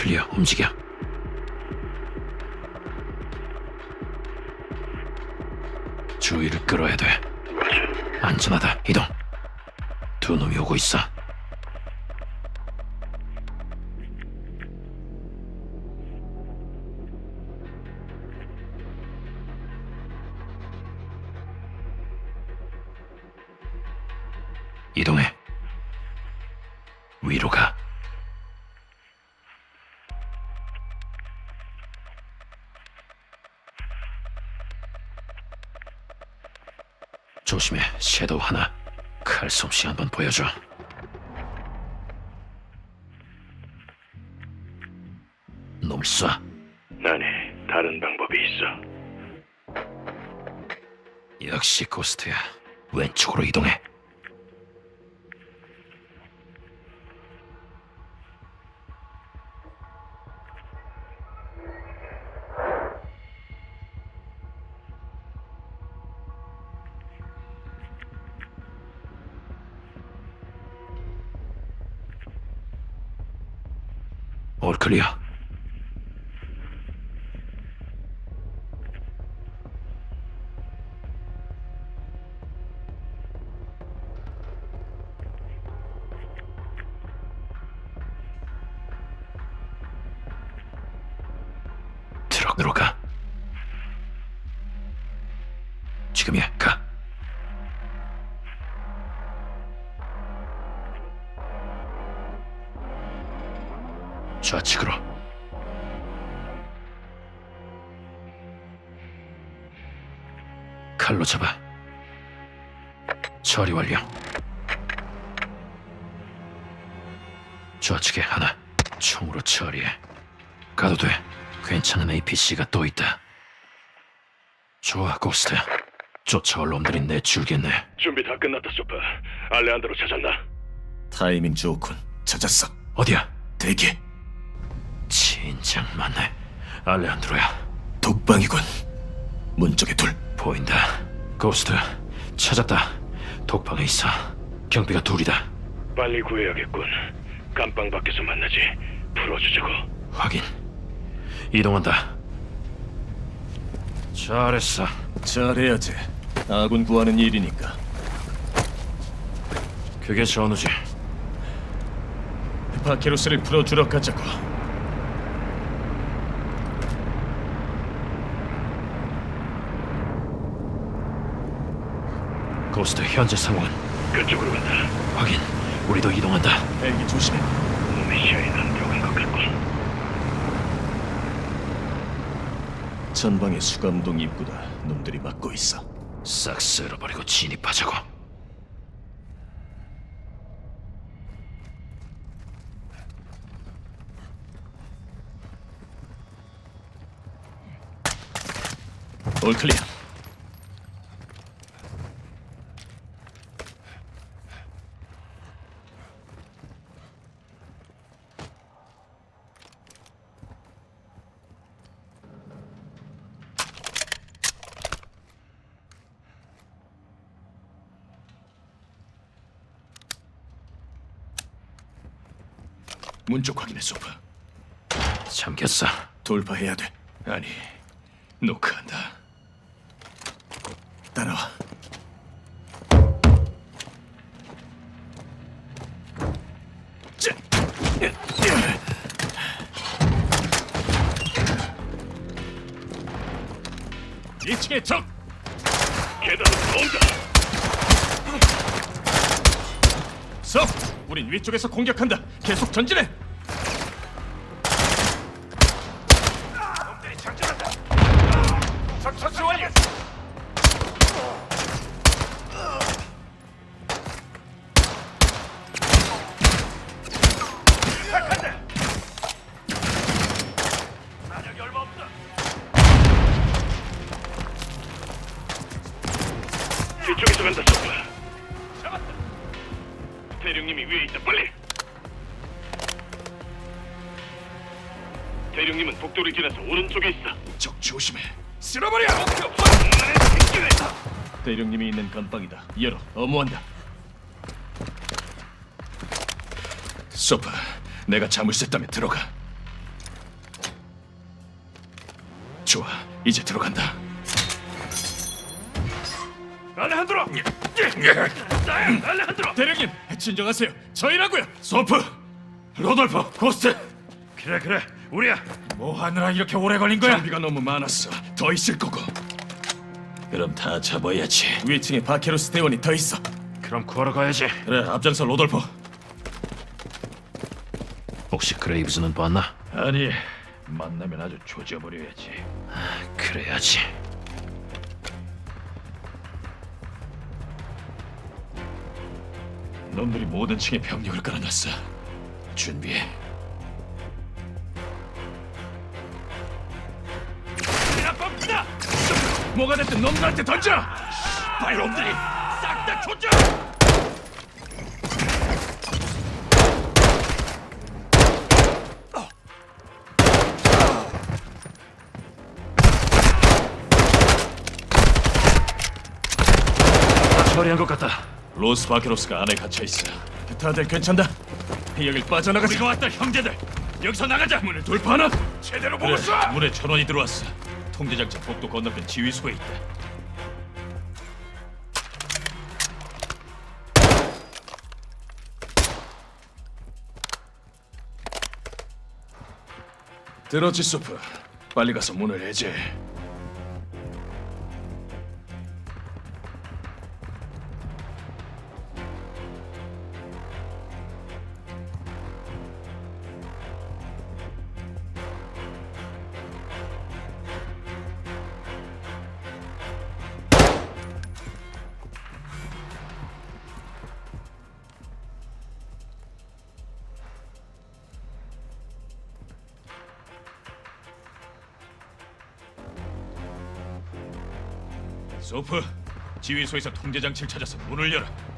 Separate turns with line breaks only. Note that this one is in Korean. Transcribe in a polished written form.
클리어. 움직여. 주의를 끌어야 돼. 안전하다. 이동. 두 놈이 오고 있어. 이동해. 위로 가. 조심해. 섀도우 하나. 칼솜씨 한번 보여줘. 놈을 쏴.
아니, 다른 방법이 있어.
역시 고스트야. 왼쪽으로 이동해. 올 클리어. 트럭으로 가. 지금이야. 가. 좌측으로. 칼로 잡아. 처리 완료. 좌측에 하나. 총으로 처리해. 가도 돼. 괜찮은 APC가 또 있다. 좋아, 고스트. 쫓아올 놈들이 내줄겠네.
준비 다 끝났다, 소파. 알레한드로 찾았나?
타이밍 좋군. 찾았어.
어디야?
대기.
진작 맞네. 알레한드로야.
독방이군. 문 쪽에 둘.
보인다. 고스트, 찾았다. 독방에 있어. 경비가 둘이다.
빨리 구해야겠군. 감방 밖에서 만나지. 풀어주자고.
확인. 이동한다. 잘했어.
잘해야지. 아군 구하는 일이니까.
그게 전우지.
바케로스를 풀어주러 가자고.
고스트, 현재 상황은?
그쪽으로 간다.
확인. 우리도 이동한다.
헬기 조심해.
놈의 시야에 난 들어간 것 같군.
전방의 수감동 입구다. 놈들이 막고 있어.
싹 쓸어버리고 진입하자고.
올 클리어. 문 쪽 확인해, 소프.
잠겼어.
돌파해야 돼. 아니, 노크한다. 따라와. 자. 2층에 적!
계단으로 온다.
석! 우린 위쪽에서 공격한다. 계속 전진해.
놈들이 장전한다. 적 처치 완료. 시작한다. 사력이 얼마 없다. 뒤쪽에서 간다, 소파. 잡았다. 대령님이 위에 있다, 빨리. 대령님은 복도를 지나서 오른쪽에 있어.
적 조심해.
쓸어버려! 목표 확!
대령님이 있는 감방이다. 열어. 어무한다. 소파, 내가 잠을 샜다면 들어가. 좋아, 이제 들어간다.
알레한드로! 알레한드로!
대령님, 진정하세요. 저희라고요. 소프, 로돌프, 고스트.
그래, 우리야.
뭐 하느라 이렇게 오래 걸린 거야? 장비가 너무 많았어. 더 있을 거고. 그럼 다 잡아야지. 위층에 바케로스 대원이 더 있어.
그럼 구하러 가야지.
그래, 앞장서 로돌프.
혹시 그레이브즈는 봤나?
아니, 만나면 아주 조져버려야지.
그래야지.
놈들이 모든 층에 병력을 깔아놨어. 준비해.
뻥치다!
뭐가 됐든 놈들한테 던져!
발놈들이 싹 다 조져!
다 처리한 것 같다.
로스 바케로스가 안에 갇혀있어. 다들 괜찮다? 여길 빠져나가자.
우리가 왔다, 형제들. 여기서 나가자.
문을 돌파하나?
제대로 보고
그래,
쏴.
문에 전원이 들어왔어. 통제장치 복도 건너편 지휘소에 있다. 들었지, 소프? 빨리 가서 문을 해제. 소프, 지휘소에서 통제장치를 찾아서 문을 열어.